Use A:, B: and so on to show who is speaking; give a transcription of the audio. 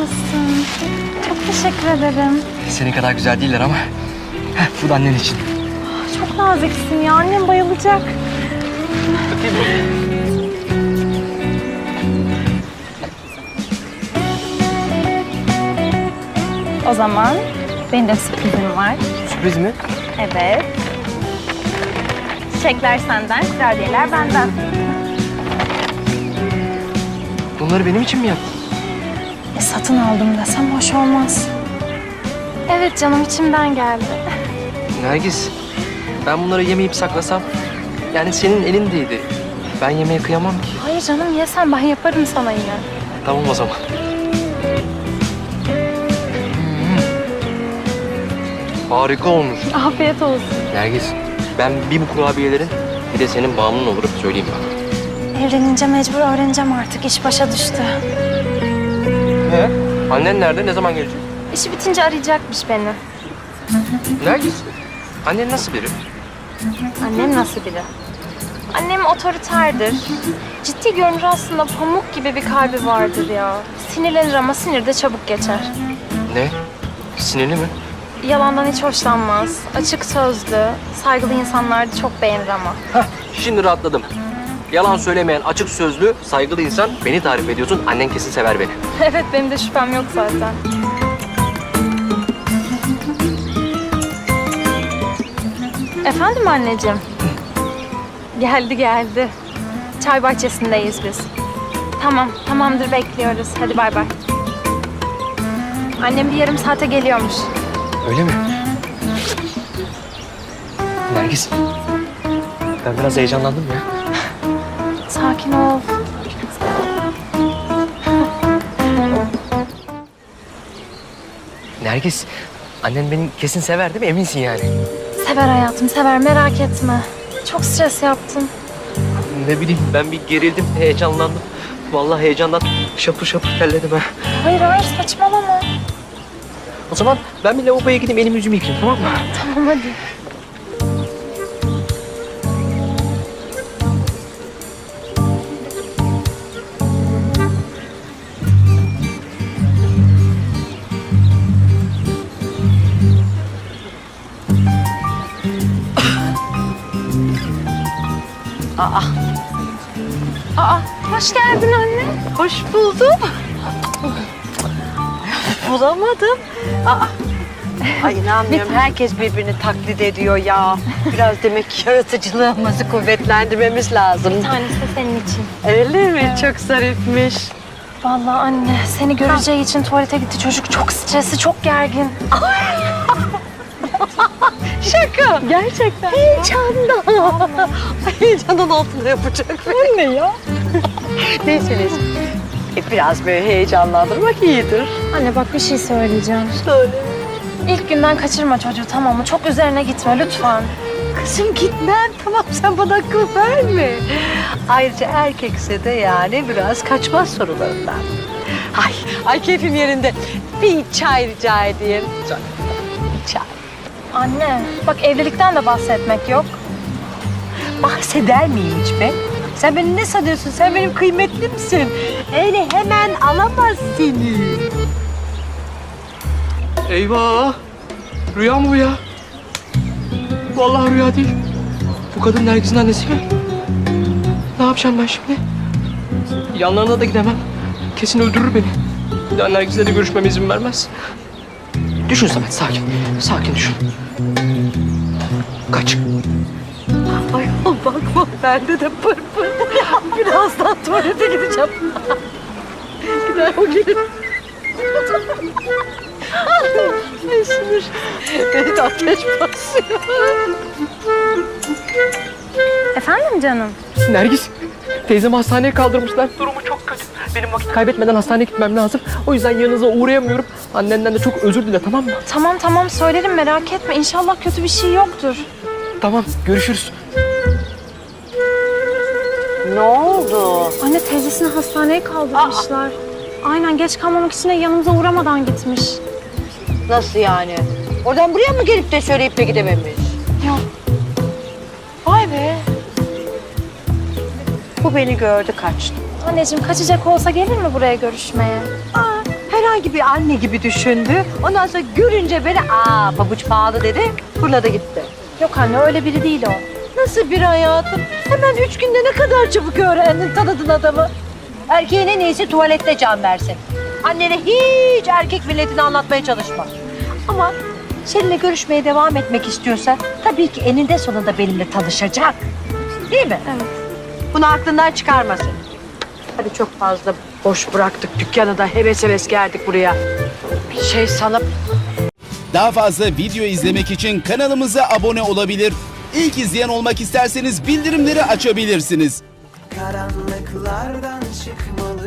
A: olsun. Çok teşekkür ederim.
B: Senin kadar güzel değiller ama. Bu da annen için.
A: Çok naziksin ya. Annem bayılacak.
B: Öpeyim mi?
A: O zaman benim de sürprizim var.
B: Sürpriz mi?
A: Evet. Çiçekler senden, kurabiyeler benden.
B: Bunları benim için mi yaptın?
A: Satın aldım desem hoş olmaz. Evet canım, içimden geldi.
B: Nergis, ben bunları yemeyip saklasam... Yani senin elindeydi. Ben yemeye kıyamam ki.
A: Hayır canım, yesen ben yaparım sana yine.
B: Tamam o zaman. Harika olmuş.
A: Afiyet olsun.
B: Nergis, ben bir bu kurabiyelerin bir de senin bağımlın olurum söyleyeyim bana.
A: Evlenince mecbur öğreneceğim artık. İş başa düştü.
B: Annen nerede? Ne zaman gelecek?
A: İşi bitince arayacakmış beni.
B: Nergis, annen nasıl biri?
A: Annem nasıl biri? Annem otoriterdir. Ciddi görünür aslında, pamuk gibi bir kalbi vardır ya. Sinirlenir ama sinir de çabuk geçer.
B: Ne? Sinirli mi?
A: Yalandan hiç hoşlanmaz. Açık sözlü, saygılı insanları çok beğenir ama.
B: Hah, şimdi rahatladım. Yalan söylemeyen, açık sözlü, saygılı insan beni tarif ediyorsun. Annen kesin sever beni.
A: Evet, benim de şüphem yok zaten. Efendim anneciğim? Geldi. Çay bahçesindeyiz biz. Tamam, tamamdır, bekliyoruz. Hadi bay bay. Annem bir yarım saate geliyormuş.
B: Öyle mi? Nergis, ben biraz heyecanlandım ya.
A: Sakin ol.
B: Nergis, annen beni kesin sever değil mi? Eminsin yani.
A: Sever hayatım, sever, merak etme. Çok stres yaptın.
B: Ne bileyim, ben bir gerildim, heyecanlandım. Vallahi heyecandan şapır şapır terledim ha.
A: Hayır, saçmalama.
B: O zaman ben bir lavaboya gideyim, elimi yüzümü yıkayayım, tamam mı?
A: Tamam, hadi. Aa, hoş geldin anne.
C: Hoş buldum. Bulamadım. Ay inanmıyorum. Herkes birbirini taklit ediyor ya. Biraz demek ki yaratıcılığımızı kuvvetlendirmemiz lazım.
A: Bir tanesi de senin için.
C: Öyle mi? Çok zarifmiş.
A: Vallahi anne, seni göreceği için tuvalete gitti. Çocuk çok stresli, çok gergin.
C: Şaka.
A: Gerçekten.
C: Heyecandan. Heyecandan altında yapacak. Bu ne ya? Neyse. Biraz böyle heyecanlandırmak iyidir.
A: Anne bak, bir şey söyleyeceğim.
C: Söyle.
A: İlk günden kaçırma çocuğu, tamam mı? Çok üzerine gitme lütfen.
C: Kızım gitmem. Tamam, sen bana akıl verme. Ayrıca erkekse de yani biraz kaçmaz sorularından. Ay keyfim yerinde. Bir çay rica edeyim. Bir çay.
A: Anne, bak evlilikten de bahsetmek yok.
C: Bahseder miyim hiç be? Sen beni ne sanıyorsun? Sen benim kıymetlimsin. Öyle hemen alamaz seni.
B: Eyvah! Rüya mı bu ya? Vallahi rüya değil. Bu kadın Nergis'in annesi mi? Ne yapacağım ben şimdi? Yanlarına da gidemem. Kesin öldürür beni. Bir daha Nergis'le de görüşmeme izin vermez. Düşün Samet, sakin. Sakin düşün. Kaç.
C: Ay bakma, bende de pırpır. Birazdan tuvalete gideceğim. Gider o gelir. Ne sinir. Beni de ateş basıyor.
A: Efendim canım?
B: Nergis, teyzemi hastaneye kaldırmışlar. Durumu çok kötü. Benim vakit kaybetmeden hastaneye gitmem lazım. O yüzden yanınıza uğrayamıyorum. Annenden de çok özür dile, tamam mı?
A: Tamam, söylerim, merak etme. İnşallah kötü bir şey yoktur.
B: Tamam, görüşürüz.
C: Ne oldu?
A: Anne, teyzesini hastaneye kaldırmışlar. Aynen, geç kalmamak için de yanımıza uğramadan gitmiş.
C: Nasıl yani? Oradan buraya mı gelip de söyleyip de gidememiş?
A: Yok.
C: Vay be. Bu beni gördü, kaçtı.
A: Anneciğim, kaçacak olsa gelir mi buraya görüşmeye?
C: Her herhangi bir anne gibi düşündü. Ondan sonra görünce beni pabuç pahalı dedi. Fırladı gitti.
A: Yok anne öyle biri değil o.
C: Nasıl bir hayatım? Hemen 3 günde ne kadar çabuk öğrendin, tanıdın adamı. Erkeğin en iyisi tuvalette can versin. Annene hiç erkek milletini anlatmaya çalışma. Ama seninle görüşmeye devam etmek istiyorsa tabii ki eninde sonunda benimle tanışacak. Değil mi?
A: Evet.
C: Bunu aklından çıkarmasın. Hadi çok fazla boş bıraktık dükkanı da heves heves geldik buraya. Bir şey sanıp
D: Daha fazla video izlemek için kanalımıza abone olabilir. İlk izleyen olmak isterseniz bildirimleri açabilirsiniz.
E: Karanlıklardan çıkmalı